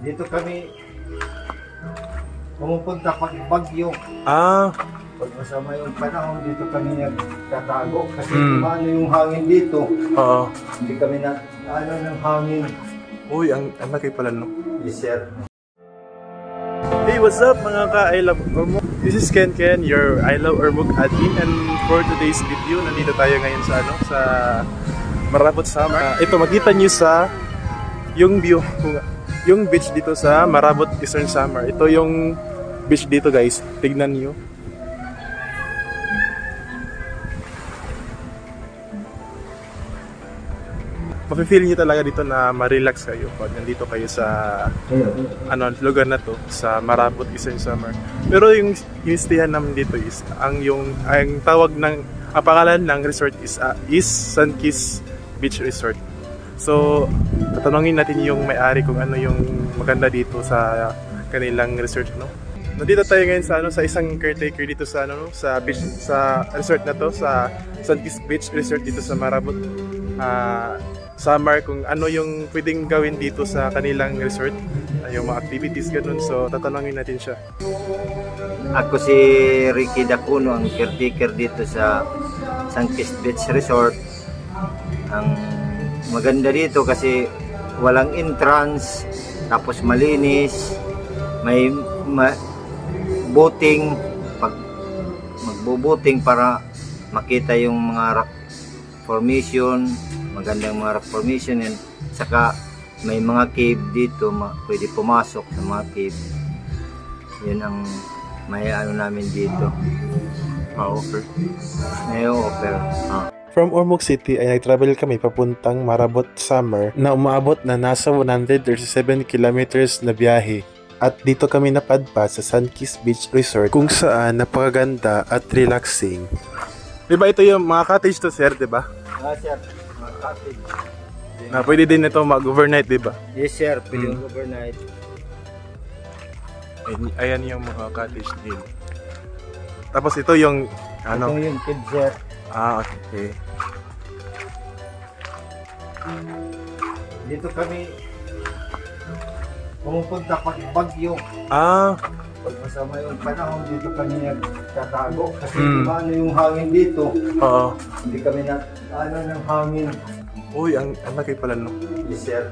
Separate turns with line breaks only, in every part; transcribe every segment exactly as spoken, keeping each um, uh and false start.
Dito kami pumupunta pag bagyo.
Ah,
Pag masama yung panahon, dito kami nagtatago. Kasi
Mm.
ano yung hangin dito.
oo.
Hindi kami na ano ng hangin.
Uy, ang, ang laki pala, no?
Yes, sir.
Hey, what's up mga ka-I Love Ormoc? This is Ken Ken, your I Love Ormoc admin, and for today's video, nandito tayo ngayon sa ano, sa Marabot Samar. Uh, ito, makita nyo sa yung view, yung beach dito sa Marabot Eastern Samar. Ito yung beach dito, guys. Tignan nyo. Mafe-feel nyo talaga dito na ma-relax kayo pag nandito kayo sa ano lugar na to, sa Marabot Eastern Samar. Pero yung yung stayan namin dito is ang yung ang tawag ng ang pangalan ng resort is uh, is Sunkiss Beach Resort. So tatanungin natin yung may-ari kung ano yung maganda dito sa kanilang resort, no. Nandito tayo ngayon sa ano sa isang caretaker dito sa ano sa beach sa resort na to, sa Sunkiss Beach Resort dito sa Marabot uh, Samar, kung ano yung pwedeng gawin dito sa kanilang resort, yung mga activities ganun. So tatanungin natin siya.
Ako si Ricky Dacuno, ang caretaker dito sa Sunkiss Beach Resort. Ang maganda dito kasi walang entrance, tapos malinis, may ma- boating, pag magbo-boating para makita yung mga rock formation, magandang mga rock formation, and saka may mga cave dito, ma- pwede pumasok sa mga cave. Yun ang may ano namin dito,
Ma-offer.
may offer. Ah.
From Ormoc City ay nag-travel kami papuntang Marabot Samar na umaabot na nasa one hundred thirty-seven kilometers na biyahe. At dito kami napadpad sa Sunkiss Beach Resort kung saan napakaganda at relaxing. Diba ito yung mga cottage to, sir, diba?
Ah, sir, mga cottage.
Na pwede din ito mag-overnight, diba?
Yes, sir, pwede
Hmm.
overnight.
Ayan, ayan yung mga cottage din. Tapos ito yung ano?
Ito yung kid, sir.
Ah, okay.
Dito kami pumupunta pag bagyo.
Ah,
Pag masama yung panahon, dito kami nagtatago. Kasi
Mm.
ano yung hangin dito.
oo.
Hindi kami na ano ng hangin.
Uy, ang, ang laki pala, no?
Yes, sir.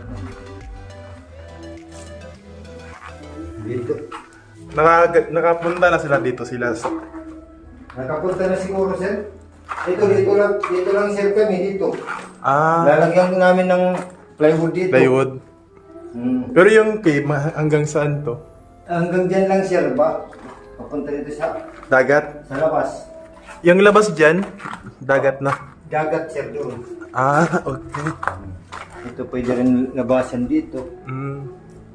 Dito.
Naka, nakapunta na sila dito sila. Sa,
Nakapunta na siguro, sir. Dito, dito lang, dito lang, sir, kami dito.
ah,
Lalagyan namin ng plywood dito.
plywood.
Hmm.
Pero yung cave, ma- hanggang saan to?
Hanggang dyan lang, sir, ba? Papunta dito sa,
Dagat?
sa labas.
Yung labas dyan, dagat na.
Dagat, sir, doon.
Ah, okay.
Ito pwede rin labasan dito.
Mm.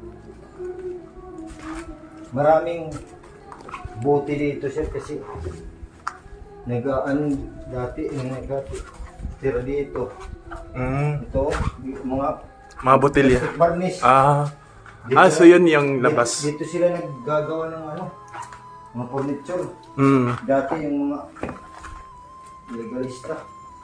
Maraming bote dito, sir, kasi nagaan dati, yung nag-tira dito.
Mm.
Ito, mga
Mga botelya.
varnish.
Ah,
Dito
ah, so
na-
yun yung labas.
Dito, dito sila naggagawa ng ano, mga furniture.
Mm.
Dati yung mga legalista.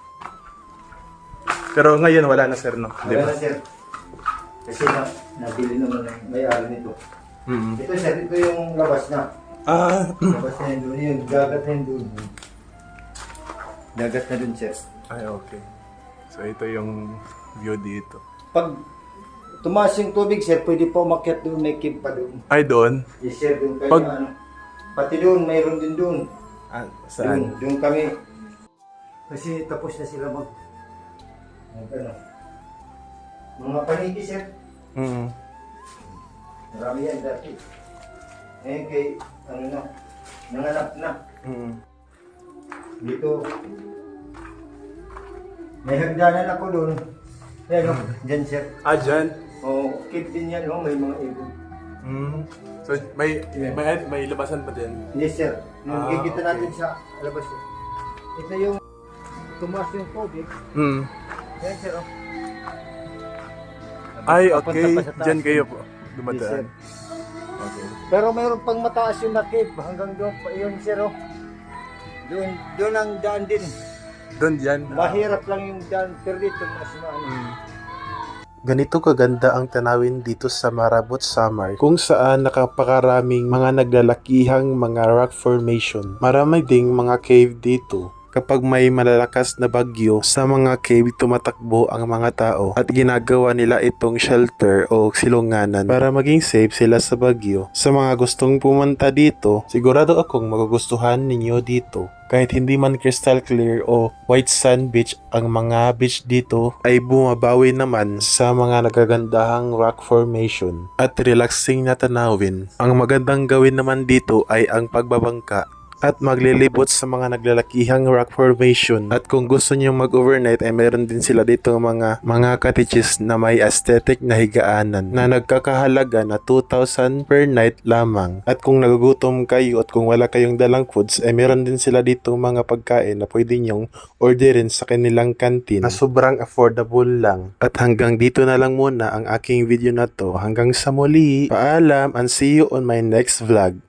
Pero ngayon wala na, sir, no? Di
Wala
ba?
na, sir. Kasi na, nabili naman ng may-ari nito.
Mm.
Ito, sir, ito yung labas na.
Ah,
Labas na yun doon, yung dagat na yun doon. Dagat na doon, sir.
ay, okay. So ito yung view dito.
Pag tumaas yung tubig, sir, pwede pa umakyat doon, may cave pa doon.
Ay, doon?
Yes, sir, doon kayo
Pag-
ano. Pati doon, mayroon din doon.
Ah,
Doon,
saan?
doon kami. Kasi tapos na sila mag... mag ano. Mga paniki, sir.
Mm.
Marami yan dati. Ngayon kay, ano na, nanganap na.
Mm.
Dito, may hagdanan ako doon. Ayan, oh, dyan, sir.
Ah, dyan?
O, cave din yan, oh, may mga ibon.
Mm. So may, may, may labasan pa din?
Yes, sir.
Ah,
Nakikita
okay.
natin sa labas. Sir. Ito yung tumaas yung tubig.
Mm.
Yan, sir, oh.
Ay,
Papunta
okay.
pa sa taas.
Dyan kayo po
Yes, sir.
dumadaan. Okay.
Pero mayroon pang mataas yung na cave. Hanggang doon pa yun, sir, oh. Doon, doon ang daan din.
Doon dyan?
Mahirap lang yung daan. Pero dito, mas maano.
Mm. Ganito kaganda ang tanawin dito sa Marabot, Samar, kung saan nakapakaraming mga naglalakihang mga rock formation. Marami ding mga cave dito. Kapag may malalakas na bagyo, sa mga cave tumatakbo ang mga tao at ginagawa nila itong shelter o silunganan para maging safe sila sa bagyo. Sa mga gustong pumunta dito, sigurado akong magugustuhan ninyo dito. Kahit hindi man crystal clear o white sand beach, ang mga beach dito ay bumabawi naman sa mga nagagandahang rock formation at relaxing na tanawin. Ang magandang gawin naman dito ay ang pagbabangka at maglilibot sa mga naglalakihang rock formation. At kung gusto niyo mag-overnight ay meron din sila dito mga mga cottages na may aesthetic na higaanan na nagkakahalaga na two thousand per night lamang. At kung nagugutom kayo at kung wala kayong dalang foods ay meron din sila dito mga pagkain na pwede nyong orderin sa kanilang canteen na sobrang affordable lang. At hanggang dito na lang muna ang aking video na to. Hanggang sa muli, paalam and see you on my next vlog.